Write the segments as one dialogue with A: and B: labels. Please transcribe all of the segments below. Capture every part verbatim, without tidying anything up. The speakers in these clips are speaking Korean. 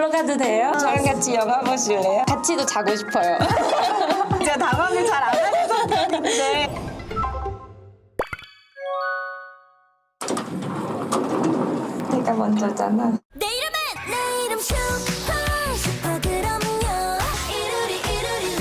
A: 놀러 가도 돼요? 저랑 같이 영화 보실래요? 같이도 자고 싶어요.
B: 진짜 당황을 잘 안 하셔서 그런데.
A: 내가 먼저잖아.
C: 내 이름은 내 이름 슈퍼 슈퍼 그럼요 이루리 이루리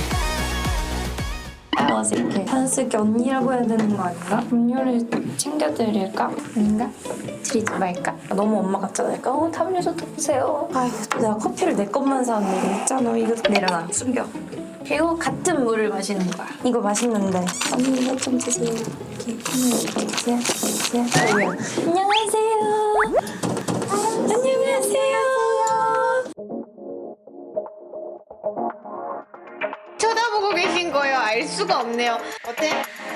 C: 라
A: 아, 어색해. 한숙이 언니라고 해야 되는 거 아닌가? 음료를 챙겨드릴까? 아닌가? 드리지 말까? 너무 엄마 같잖아. 어, 담요셔도 보세요. 아휴, 내가 커피를 내 것만 사왔네. 이거 있잖아. 이거 내려놔. 숨겨. 그리고 같은 물을 마시는 거야. 이거 맛있는데. 언니 이거 좀 드세요. 이렇게. 이렇게 드세요. 드세요. 안녕하세요. 안녕하세요.
B: 쳐다보고 계신 거예요. 알 수가 없네요. 어때?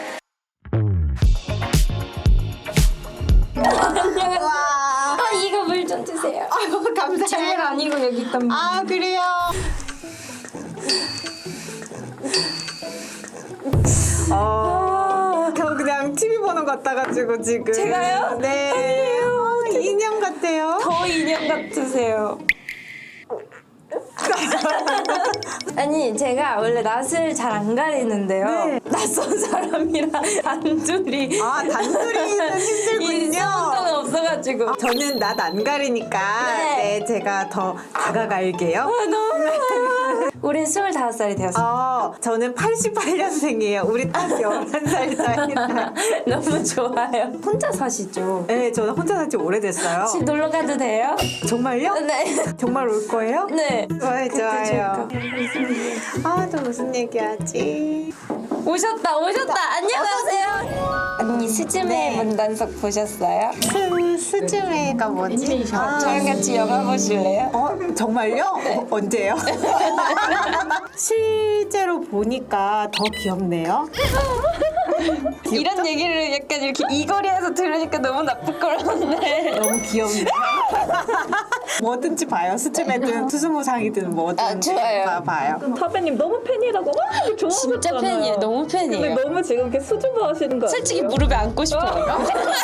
A: 안녕하세요.
B: 와.
A: 아, 이거 물 좀 드세요.
B: 아유,
A: 물
B: 감사해요.
A: 아니고 여기 있단 말이야.
B: 아, 그래요? 어, 저 그냥 티비 보는 것 같아가지고 지금.
A: 제가요?
B: 네.
A: 아니에요.
B: 어, 인형 같아요.
A: 더 인형 같으세요. 아니 제가 원래 낯을 잘 안 가리는데요.
B: 네.
A: 낯선 사람이랑 단둘이
B: 아, 단둘이는 힘들군요.
A: 일성은 없어가지고.
B: 저는 낯 안 가리니까
A: 네.
B: 네, 제가 더 다가갈게요.
A: 아, 너무 좋아요. 우린 스물다섯 살이 되었어요.
B: 어, 저는 팔십팔 년생이에요. 우리 딱 열한 살 차이나.
A: 너무 좋아요. 혼자 사시죠?
B: 네, 저는 혼자 산지 오래됐어요.
A: 같이 놀러 가도 돼요?
B: 정말요?
A: 네.
B: 정말 올 거예요?
A: 네.
B: 좋아요, 좋아요.
A: 좋을까?
B: 아, 또 무슨 얘기하지?
A: 오셨다 오셨다. 안녕하세요. 언니 스즈메
B: 네.
A: 문단속 보셨어요?
B: 스, 스즈메가 뭐지? 아,
A: 저랑 같이 영화 보실래요?
B: 어, 정말요? 어, 언제요? 실제로 보니까 더 귀엽네요.
A: 이런 얘기를 약간 이렇게 이 거리에서 들으니까 너무 나쁠 거라는데.
B: 너무 귀엽네요. 뭐든지 봐요. 스즈메든 수수무상이든 뭐든
A: 아, 좋아요.
B: 다 봐요.
D: 타배님 너무 팬이라고 막 좋아하셨잖아요.
A: 진짜 팬이에요. 너무
D: 근데
A: 팬이에요.
D: 너무 지금 이렇게 수줍어 하시는 거
A: 솔직히
D: 아니에요?
A: 무릎에 안고 싶어요.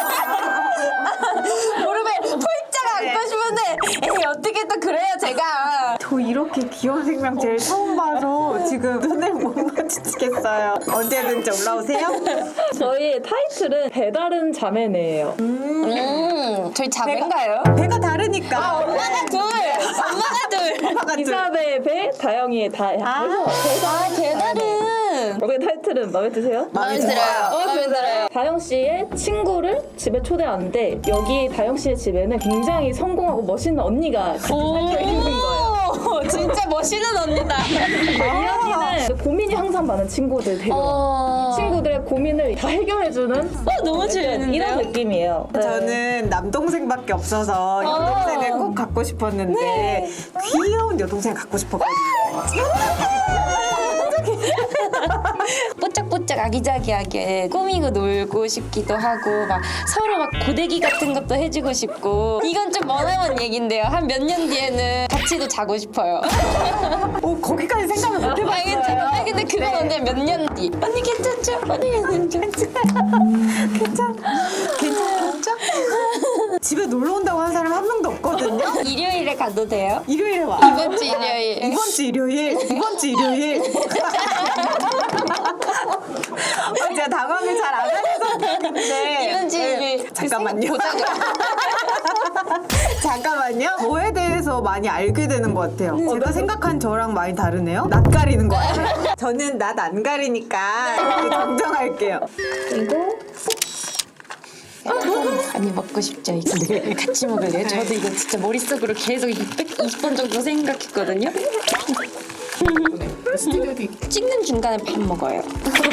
A: 무릎에 폴짝 안고 싶은데 에이 어떻게 또 그래요 제가.
B: 저 이렇게 귀여운 생명 제일 처음 봐서 지금 눈을 못 마주치겠어요. 언제든지 올라오세요.
D: 저희의 타이틀은 배다른 자매네예요.
A: 음 저희 자매인가요?
B: 배가 다르니까.
A: 엄마가 둘. 엄마가 둘.
B: 엄마가 둘.
D: 이사배의 배, 다영이의 다.
B: 아.
D: 그래서
A: 아 배달은.
D: 우리 타이틀은 마음에 드세요?
A: 마음에 들어요. 마음에 들어요.
D: 다영 씨의 친구를 집에 초대하는데 여기 다영 씨의 집에는 굉장히 성공하고 멋있는 언니가 같이 살게 생긴 거예요.
A: 오 진짜 멋있는 언니다.
D: 이야기는 고민이 항상 많은 친구들 데려.
A: 어.
D: 친구들의 고민을 다 해결해주는
A: 어 너무 재밌는데요?
D: 이런 느낌이에요. 네.
B: 저는 남동생밖에 없어서 여동생을 꼭 갖고 싶었는데 귀여운 여동생 갖고 싶었거든요.
A: 뽀짝뽀짝 아기자기하게 꾸미고 놀고 싶기도 하고 막 서로 막 고데기 같은 것도 해주고 싶고 이건 좀 머나먼 얘긴데요. 한 몇 년 뒤에는 같이도 자고 싶어요.
B: 오, 거기까지 생각을 못
A: 아,
B: 해봤어요.
A: 괜찮아. 근데 그건
B: 네.
A: 언제 몇 년 뒤? 언니 괜찮죠? 언니 괜찮죠?
B: 괜찮, 괜찮죠? 집에 놀러 온다고 하는 사람 한 명도 없거든요.
A: 일요일에 가도 돼요?
B: 일요일에 와.
A: 이번 주 일요일.
B: 이번 주 일요일. 이번 주 일요일. 아, 제가 당황을 잘 안 하셔서 그런데.
A: 이번 주 일요일.
B: 잠깐만요.
A: 보자고.
B: 잠깐만요. 저에 대해서 많이 알게 되는 것 같아요. 제가 생각한 저랑 많이 다르네요. 낯 가리는 거 같아요. 저는 낯 안 가리니까 정정할게요.
D: 그리고
A: 많이 먹고 싶죠 이거. 네. 같이 먹을래요? 저도 이거 진짜 머릿속으로 계속 이백 번 정도 생각했거든요. 찍는 중간에 밥 먹어요.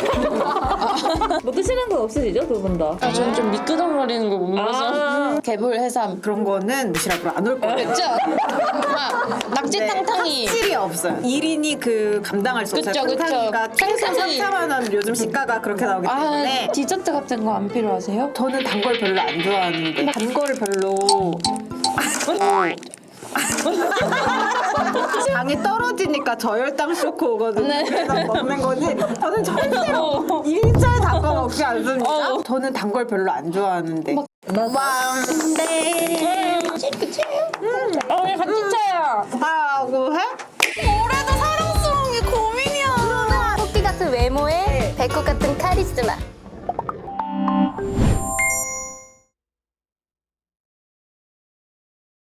D: 뭐 드시는 건 없으시죠 두 분 다?
A: 아, 저는 좀 미끄덩거리는 거 못 먹어서.
D: 아.
A: 개불 해삼.
B: 그런 거는 도시락으로 안 올 거예요.
A: 그쵸? 아, 낙지 탕탕이.
B: 확실히 없어요. 일 인이 그 감당할 수 없어요.
A: 그쵸, 그쵸.
B: 탕탕이가 최소
A: 탕탕이.
B: 삼사만 원 요즘 시가가 그렇게 나오기 때문에
A: 아, 디저트 같은 거 안 필요하세요?
B: 저는 단 걸 별로 안 좋아하는데 단 거를 별로 당이 떨어지니까 저혈당 쇼크 오거든요.
A: 네.
B: 그래서 먹는 거지. 저는 절대로 일절 단 거 먹지 않습니다.
A: 어.
B: 저는 단 걸 별로 안 좋아하는데. 왕대.
A: 어, 우리 같이 쳐요. 것 같아.